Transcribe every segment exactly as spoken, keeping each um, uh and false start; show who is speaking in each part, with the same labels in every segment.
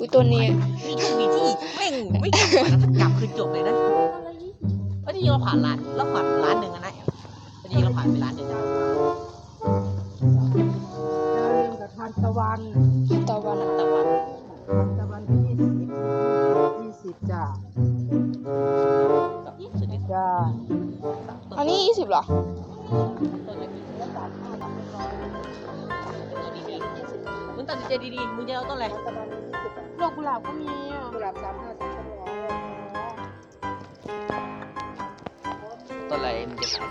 Speaker 1: ตัวนี้
Speaker 2: มีทุกมีที่แม่งไม่กลับมาแล้วกลับคือจบเลยนะเมื่อที่เราผ่านร้านเราผ่านร้านหนึ่งนะพอดีเราผ่านไปร้านหนึ่ง
Speaker 3: ทานตะวัน
Speaker 1: ตะวัน
Speaker 2: ตะวัน
Speaker 3: ตะวันที่ยี่สิบยี่สิบจ้า
Speaker 2: กับสุดที่
Speaker 3: จ้า
Speaker 1: อันนี้ยี่สิบเหรอ
Speaker 2: ต้นละกี่มึงตัดสินใจดีๆมึงจะเอาต้นอะไร
Speaker 1: ดอกกุหลาบก็มีอ่ะ
Speaker 3: กุหลาบสามห้าสามร้อย
Speaker 2: ต้นอะไรมึงจะถาม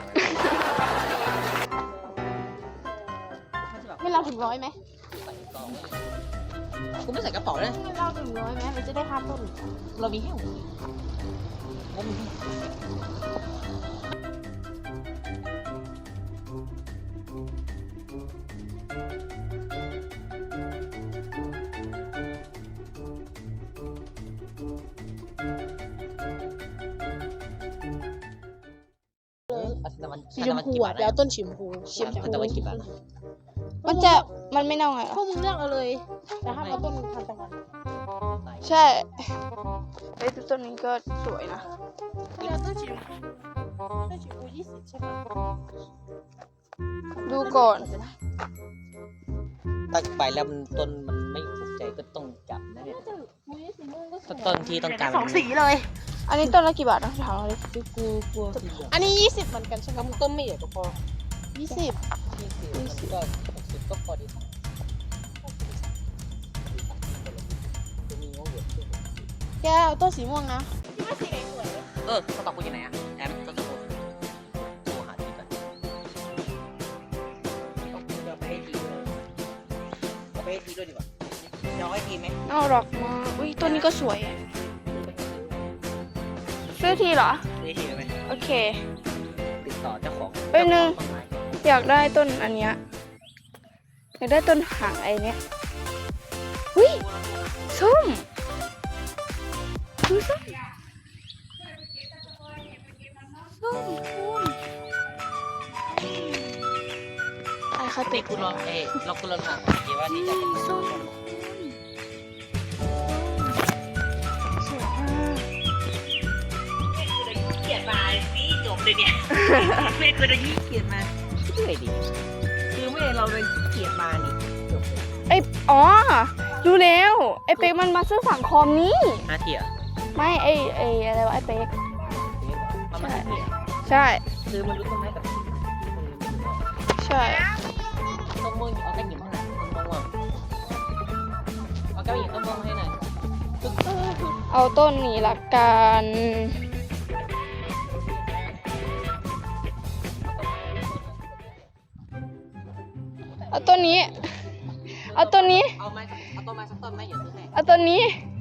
Speaker 1: ไม่เราถึงร้อยไหม
Speaker 2: กูไม่ใส่กระเป๋าเลย
Speaker 1: ไม่เราถึงร้อยไหมเราจะได้ค่าต้น
Speaker 2: เรามีแค่หัวงบมีแค่
Speaker 1: สีชมพูอ่ะเดี๋ยวต้นสีชมพูสีชมพู
Speaker 2: ตะวันกี่บาท
Speaker 1: มันจะมันไม่เน่าไง
Speaker 3: พวกมึงเลือกเอาเลยแต่ห้ามเอาต้นทานตะวัน
Speaker 1: ใช่ไอ้ต้นนี้ก็สวยนะ
Speaker 3: เลือกต้นสีชมพูต้นสีชมพูยี่สิบใช่ไหม
Speaker 1: ดูก่อน
Speaker 2: ตัดไปแล้วมันต้นมันไม่ถูกใจก็ต้องจับนะเนี่ยต้นที่ต้องการ
Speaker 3: สองสีเลย
Speaker 1: อันนี้ต้นละกี่บาทนะถามเราดิ
Speaker 2: กูกลัว
Speaker 3: อันนี้ยี่สิบเหมือนกันใช่ไหม
Speaker 2: ต้นไม่ใหญ่ก็พอ
Speaker 3: ยี่สิบ
Speaker 2: ยี่สิบมันก็หกสิบก็พอดีจะมีงบเหลือ
Speaker 3: แก้วต้นสีม่วงนะ
Speaker 2: เออเขาตอบกูอยู่ไหนอ่ะแอมต้นสมุนโทรหาทีก่อนต้องเอาไปให้ทีด้วยเอาไปให้ทีด้วยดีกว่าเดี๋ยวให้ทีไหม
Speaker 1: เอาดอกมาอุ้ยต้นนี้ก็สวยซื้อทีเหรอ
Speaker 2: ให้ทีไหม
Speaker 1: โอเค
Speaker 2: ติดต่อเจ้าของ
Speaker 1: ไปหนึ่ง อยากได้ต้นอันเนี้ยอยากได้ต้นหางไอ้เนี้ยอุ้ยส้มดูส้มส้มคุณไอ้คา
Speaker 2: ติ
Speaker 1: ติ
Speaker 2: ดกูลองเอ้เรากูลองถามทีว่านี่จะเป็น
Speaker 1: ส้มสวยมาก
Speaker 2: เกียดมาสิจบเลยเนี่ยไม่เคยได้ยี่เกียดมาเรื่อยดิคือไม่เราเลยเกียดมานี่จบเลย
Speaker 1: ไอ้อ๋อรู้แล้วไอ้เป๊กมันมาซื้อสั่งคอมนี้
Speaker 2: อาเทีย
Speaker 1: ไม่ไอ้ไอ้อะไรวะไอ้เป๊ก
Speaker 2: ประมาณนี้
Speaker 1: ใช่
Speaker 2: คือมันรู้ต้นไม้กับ
Speaker 1: ใช่
Speaker 2: ต้นม่วงเอาแก้วหยิบให้หน่อยต้นม่วงเอาแก้วหยิบต้นม่วงให้หน่อย
Speaker 1: เอาต้นนี้ละกันเอาต้นนี้เอาต้นนี้
Speaker 2: เอาไม้เอาต้นไม้สักต้นไหมอย่าซื้อให้
Speaker 1: เอาต้นนี้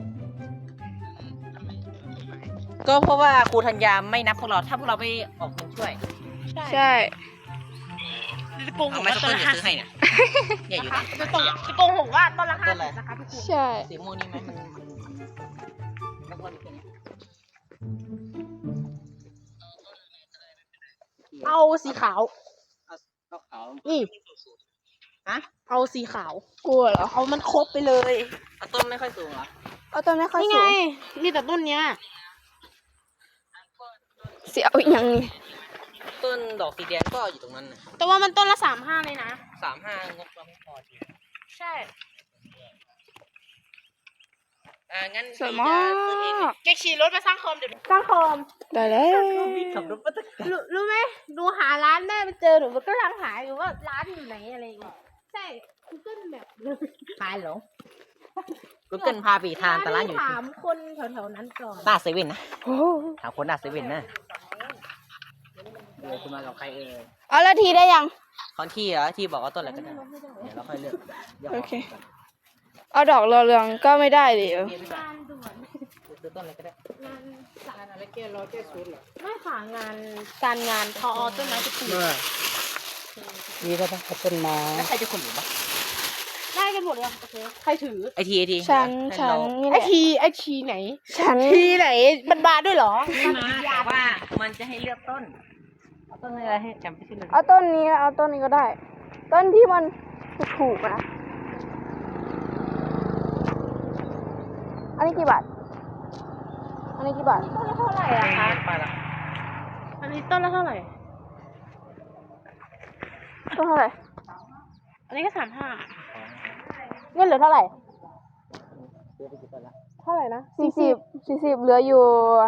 Speaker 2: ก็เพราะว่าครูธัญญาไม่นับพวกเราถ้าพวกเราไปออกเงินช่วย
Speaker 1: ใช่
Speaker 2: เอาไม้สักต้นอย่าซื้อให้เนี่ยเนี่ยอยู่ไหน
Speaker 3: จะตรงจะโกงหกว่าต้นละห้าสิบนะคะพี่ครู
Speaker 1: ใช่
Speaker 2: สีม่วงนี่ไหมมันมันมันพอดีแค่นี้
Speaker 3: เอาสีขาว
Speaker 2: เอาขาว
Speaker 3: นี่
Speaker 2: ฮะ
Speaker 3: เอาสีขาว
Speaker 1: กลัวเหรอ
Speaker 3: เอามันครบไปเลย
Speaker 2: เอาต้นไม่ค่อยสูงเหรอ
Speaker 1: เอาต้นไม่ค่อย
Speaker 3: นี่
Speaker 1: สู
Speaker 3: ไง
Speaker 1: ง
Speaker 3: นี่แต่ต้นเนี้ย
Speaker 1: เสียเอาอีกอย่างนี้
Speaker 2: ต้นดอกสีแดงก็อยู่ตรงนั้นนะ
Speaker 3: แต่ว่ามันต้นละสามห้าเลยนะ
Speaker 2: สามห้างบเราไม่พอดี
Speaker 3: ใช่
Speaker 2: อ่างั้น
Speaker 1: สวยมาก
Speaker 3: แกขี่รถมาสร้างคอมเดี๋ยวสร้างคอม
Speaker 1: ได้แล้ว
Speaker 2: ขับรถมาตั้ง
Speaker 3: รู้รู้ไหมดูหาร้านแม่ไปเจอหนูมันก็ลังหาอยู่ว่าร้านอยู่ไหนอะไรอย่างเงี้ยใช่ Google Map
Speaker 2: พายหรอกูเกิลพาปีทานแต่ร้านอยู่
Speaker 3: ถามคนแถวๆนั้นก่อน
Speaker 2: หน้าเซเว่นนะ
Speaker 1: โอ้
Speaker 2: ถามคนหน้าเซเว่นนะเออคุณมากับใครเออ
Speaker 1: เอาละทีได้ยัง
Speaker 2: คอนที่เหรอที่บอกว่าต้นอะไรก็ได้เดี๋ยวเราค่อยเลือกดี๋ยวข
Speaker 1: โอเค เอาดอกเรืองๆก็ไม่ได้ดิ
Speaker 2: เดี๋ยวพี่
Speaker 3: งานด่วน
Speaker 2: ซื้อต้นอะไรก็ได้
Speaker 3: งานสาร
Speaker 2: อะไรแก้ร้อยแก้ชุดเหรอ
Speaker 3: ไม่ค่ะงานการงานทอต้นไม้ตะปู
Speaker 2: นี่ก็ต้องต้นไม้แล้วใครจะขุดหลุมปะ
Speaker 3: ได้กันหมดเลยโอเคใครถือ
Speaker 2: ไอทีไอที
Speaker 1: ฉันฉันนี่แห
Speaker 3: ไอ
Speaker 1: ละ
Speaker 3: ทีไอทีไหน
Speaker 1: ฉัน
Speaker 3: ทีไหนมันบานด้วยเหรอ
Speaker 2: ไม่มาแต่ว่ามันจะให้เลือกต้นเอาต้นอะไรให้จำไม่ชื่อเลย
Speaker 1: เอาต้นนี้เอาต้นนี้ก็ได้ ต้นที่มันถูกๆนะอันนี้กี่บาท อันนี้กี่บาท
Speaker 3: ต้นละเท่าไหร่อะคะ
Speaker 2: ไปละ
Speaker 3: อันนี้ต้นละเท่าไหร่
Speaker 1: ต้นเท่าไหร่
Speaker 3: อันนี้ก็สามห้า
Speaker 1: เงินเหลือเท่าไหร่
Speaker 2: เดี๋ยวไปกี่ต้นละ
Speaker 3: เท่าไหร่นะ
Speaker 1: สี่สิบสี่สิบเหลืออยู่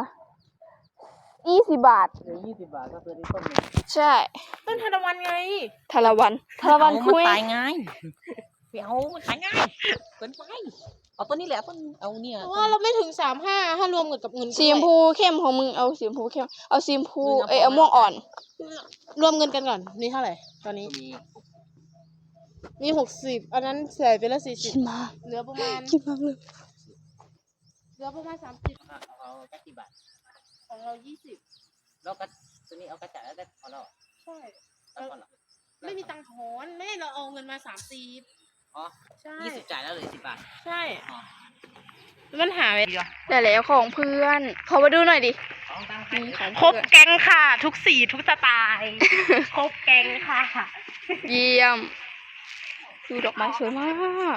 Speaker 1: ยี่สิบบาท
Speaker 2: เหลือยี่สิบบาทก็คือได้ต้นหนึง
Speaker 1: ใช่
Speaker 3: ต้นทานตะวันไง
Speaker 1: ทาราวันทาราวัน
Speaker 2: เอา
Speaker 1: คุ
Speaker 2: มัน
Speaker 1: ย
Speaker 2: ตายง่ายไม่เอามันตายง่ายเกินไปเอาต้นนี้แหละต้นเอาเนี่ย
Speaker 3: เพราะว่าเราไม่ถึงสามห้าถ้ารวมกับเงิน
Speaker 1: สีชมพูเข้มของมึงเอาสีชมพูเข้มเอาสีชมพูเอ้ยเอาม่วงอ่อน
Speaker 3: รวมเงินกันก่อน นี่เท่าไหร่ ตอนนี้
Speaker 2: มี
Speaker 3: มีหกสิบอันนั้นใส่ไปละสี่สิ
Speaker 1: กิ
Speaker 3: บ
Speaker 1: นมาก
Speaker 3: เหลือประมาณ
Speaker 1: กินมากเลย
Speaker 3: เหลือประมาณสามสิบ
Speaker 2: เอาเอาแค่กี่บาท
Speaker 3: ของเรายี่สิบ
Speaker 2: แล้วก็ตัวนี้เอากระจาดแล้วได้พอแล้วเหรอ
Speaker 3: ใช่
Speaker 2: แล้วพอเหรอ
Speaker 3: ไม่มีตังค์ถอนไม่ได้เราเอาเงินมาสามสิบ
Speaker 2: อ๋อ
Speaker 3: ใช่
Speaker 2: ยี่สิบจ่ายแล้วเหลือสิบบาท
Speaker 3: ใช่
Speaker 2: อ๋อ
Speaker 3: มันหายไป
Speaker 1: ได้แล้วของเพื่อน ขอมาดูหน่อยดิ
Speaker 2: ของตังค์
Speaker 1: นี่ของ
Speaker 3: ครบ
Speaker 1: เพื่อน
Speaker 3: แก๊งค่ะ ทุกสีทุกสไตล์ ครบแก๊งค่ะ
Speaker 1: เยี่ยม ดูดอกไม้สวยมาก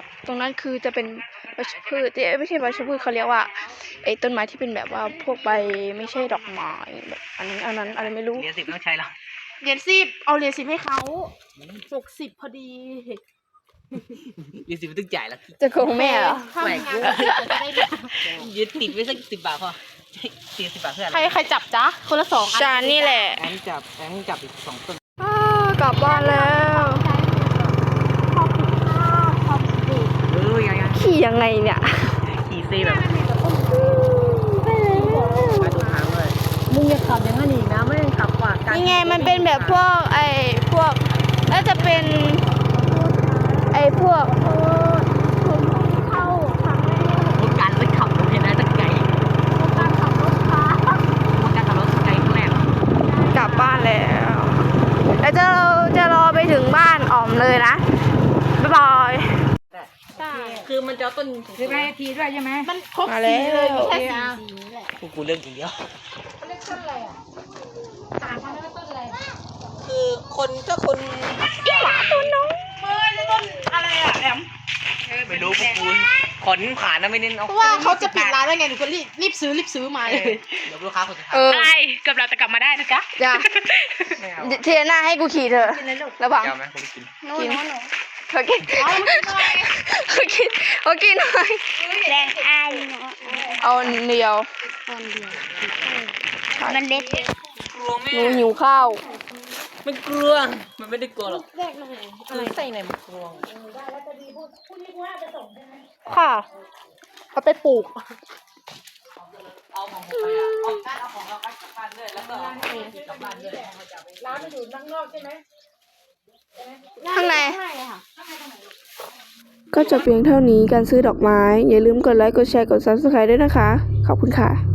Speaker 1: ตรงนั้นคือจะเป็นวัชพืชเอ้ยไม่ใช่วัชพืชเขาเรียกว่าไอ้ต้นไม้ที่เป็นแบบว่าพวกใบไม่ใช่ดอกไม้แบบอันนั้นอันนั้นอะไรไม่รู้
Speaker 2: เหลือสิบต้องใช้แล้ว
Speaker 3: เหรียญสิบเอาเหรียญสิบให้เขาหกสิบพอดี
Speaker 2: เหลือสิบต้องจ่ายแล้ว
Speaker 1: จะโกงแม่เหรอ
Speaker 3: ถ้ามีงานก็จะได้เหรียญ
Speaker 2: ยึดติดไว้สักสิบบาทพอสี่สิบบาทเพื่ออะไร
Speaker 3: ใครใครจับจ๊ะ คนละสองอัน
Speaker 1: จานนี่แหละ
Speaker 2: แองจับแองจับอีกสองต้น
Speaker 1: อ้ากลับบ้านแล้ว
Speaker 3: ขอบคุณค่ะขอบคุณ
Speaker 2: เออยังยัง
Speaker 1: ขี่ยังไงเนี่ย
Speaker 2: ขี่ซีแบบ
Speaker 1: ไปแล้ว
Speaker 2: มาดูทางเลยมึงอย่าขับอย่างนั้นอีกนะไม่ขับกว่ากัน
Speaker 1: นี่ไงมันเป็นแบบพวกไอ้พวกน่าจะเป็นไอ้พวก
Speaker 3: เข้าครั้งแรก
Speaker 2: รถการรถขับเห็นไหมตั้งไกล
Speaker 3: การขับรถค่ะ
Speaker 2: รถการขับรถไกลครั้งแรก
Speaker 1: กลับบ้านแล้วแล้วจะจะรอไปถึงบ้านอ๋อมเลยนะบ๊ายบาย
Speaker 3: ใช่
Speaker 2: คือมันจะเอาต้น
Speaker 4: ใช่ไหมทีด้วยใช่ไหม
Speaker 3: มันครบ
Speaker 1: มาแล้
Speaker 3: สี
Speaker 1: ว
Speaker 3: เลยมีแค่สีสีนี้แหละ
Speaker 2: กูกูเรื่องจริงเดียว
Speaker 3: เขาเรียกต้นอะไรอ่ะถามเขาเรียกว่าต้นอะไร
Speaker 2: คือคนถ้าคน
Speaker 1: หมาตัวน้อง
Speaker 3: เฮ้ยต้นอะไรอ่ะแอม
Speaker 2: ไม่รู้พวกกูขนผ่านนะไม่เน้นเอา
Speaker 3: เพราะว่าเขาจะปิดร้านแล้วไงหนูก็รีบรีบซื้อรีบซื้อมาเลย
Speaker 2: เดี๋ยวลูกค้าคนสุดท้าย
Speaker 1: เออ
Speaker 3: อะไรเกือบเราจะกลับมาได้นะจ๊ะ
Speaker 1: จ้ะ
Speaker 2: ไม่เอา
Speaker 1: เทียหน้าให้กูขี่เถอะระวัง
Speaker 2: จะเอาไหมผมกิน
Speaker 1: กินเขากินเขากินเขากินหน่อย
Speaker 3: แรงอาย
Speaker 1: เอาเดียว
Speaker 3: มันเล็ก
Speaker 2: กลัวแม่
Speaker 1: หนูหิวข้าว
Speaker 2: มันกลัวมันไม่ได้กลัวหรอก
Speaker 3: แรกเลย
Speaker 2: คือไส้ในมันกลัว
Speaker 3: ค่ะเอาไปปลูก
Speaker 2: เอาของผมไปอ่ะเอาการเอาของเรากลับบ้านด้วยแล้วก็เอาของกลับบ้านด้วย
Speaker 4: ร้านมันอยู่ข้างนอกใช่ไหม
Speaker 1: ข้างใน
Speaker 3: ใช่ค่ะ
Speaker 1: ก็จะเพียงเท่านี้การซื้อดอกไม้ อย่าลืมกดไลค์ กดแชร์ กด ซับสไครบ์ ด้วยนะคะ ขอบคุณค่ะ